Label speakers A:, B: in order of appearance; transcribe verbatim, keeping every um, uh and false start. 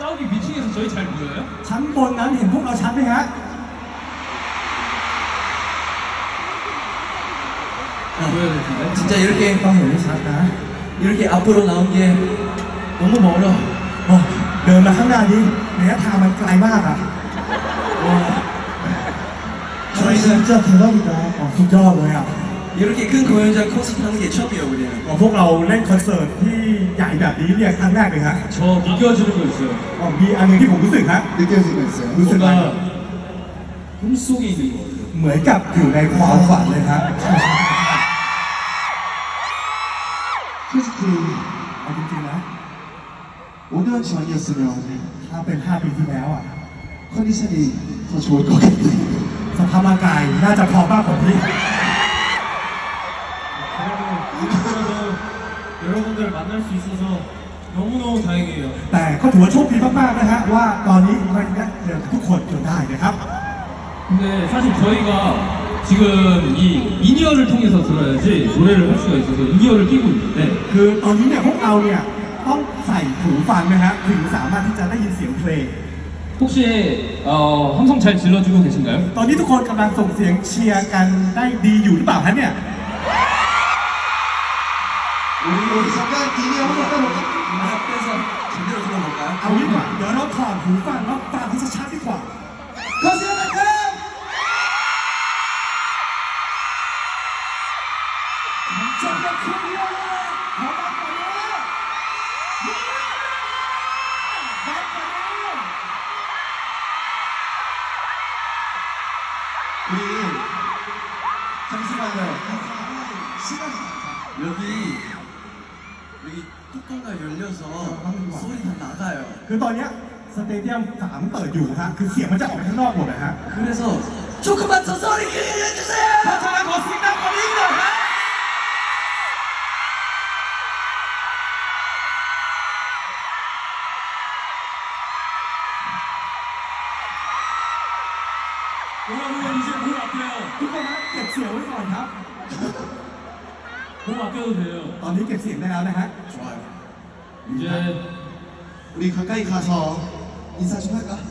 A: 저기 위층에서 저희 잘 보여요?
B: ชั้นบนนั้นเห็นพวกเราชัดไหมฮะ
A: 보여야 될 텐데.
C: 진짜 이렇게
B: ต้องเห็นไม่ชัดนะ
C: 이렇게 앞으로 나온 게 너무 멀어.
B: โอ้เดินมาข้างหน้านี้ระยะทางมันไกลมากอ่ะ
C: 와,
B: 저희는 진짜 대박이다. 어, สุดยอดเลยอ่ะ
C: 이렇게 큰 공연장 콘서트 하는 게 처음이에요, 우리는.
B: อ๋อพวกเราเล่นคอนเสิร์ตที่ใหญ่แบบนี้เนี่ยครั้งแรกเลยฮะ
A: 저 느껴지는 거 있어요.
B: อ๋อมีอันหนึงที่ผมรู้สึกฮะ
D: 느껴지고 있어요.
B: รู้สึกว่า
A: 뭔가 꿈속에 있는 것 같아요.
B: เหมือนกับอยู่ในความฝันเลยฮะ
D: 솔직히
B: เอาจริงๆนะ
D: 오 년 전이었으면
B: ถ้าเป็นห้าปีที่แล้วอ่ะ
D: 컨디션이 더 좋을 것 같아요.
B: สภาพร่างกายน่าจะพร้อมมากกว่านี้
A: 그래도 여러분들 만날 수 있어서 너무너무 다행이에요.
B: แต่ก็ถือว่าโชคดีมากๆนะฮะว่าตอนนี้มันได้เจอทุกคนจนได้นะครับ
A: 근데 사실 저희가 지금 이 인이어를 통해서 들어야지 노래를 할 수가 있어서 인이어를 끼고 있는데
B: คือตอนนี้เนี่ยพวกเราเนี่ยต้องใส่หูฟังนะฮะถึงสามารถที่จะได้ยินเสียงเพลง
A: 혹시 어, 함성 잘 질러주고 계신가요?
B: ตอนนี้ทุกคนกำลังส่งเสียงเชียร์กันได้ดีอยู่หรือเปล่าฮะเนี่ย
D: 우리 우리 잠깐 이미 한번 따볼까?
C: 앞에서 제대로 들어볼까요?
B: เอางี้ดีกว่าเดี๋ยวเราถอดหูฟังแล้วฟังให้ชัดๆดีกว่า
D: 거세요,
B: 정말 클리어!
D: 우리 잠시만요. 시간이
C: 여기 여기 뚜껑가 열려서 소리 다 나가요.
B: คือตอนเนี้ยสเตเดียมสามเปิดอยู่ฮะคือเสียงมันจะออกไปข้างนอกหมดนะฮะ
C: 그래서 조금만 더 소리 크게 해주세요.
B: ทำไมขอเสียงดังกว่านี้หน่อยฮะ
A: 여러분 이제 몸 아껴요.
B: ทุกคนนะเก็บเสียงไว้ก่อนครับ
A: 몸 아껴도 돼요.
B: ตอนนี้เก็บเสียงได้แล้วนะฮะ
D: 좋아요.
A: 이제
D: 우리 가까이 가서 인사 좀 할까?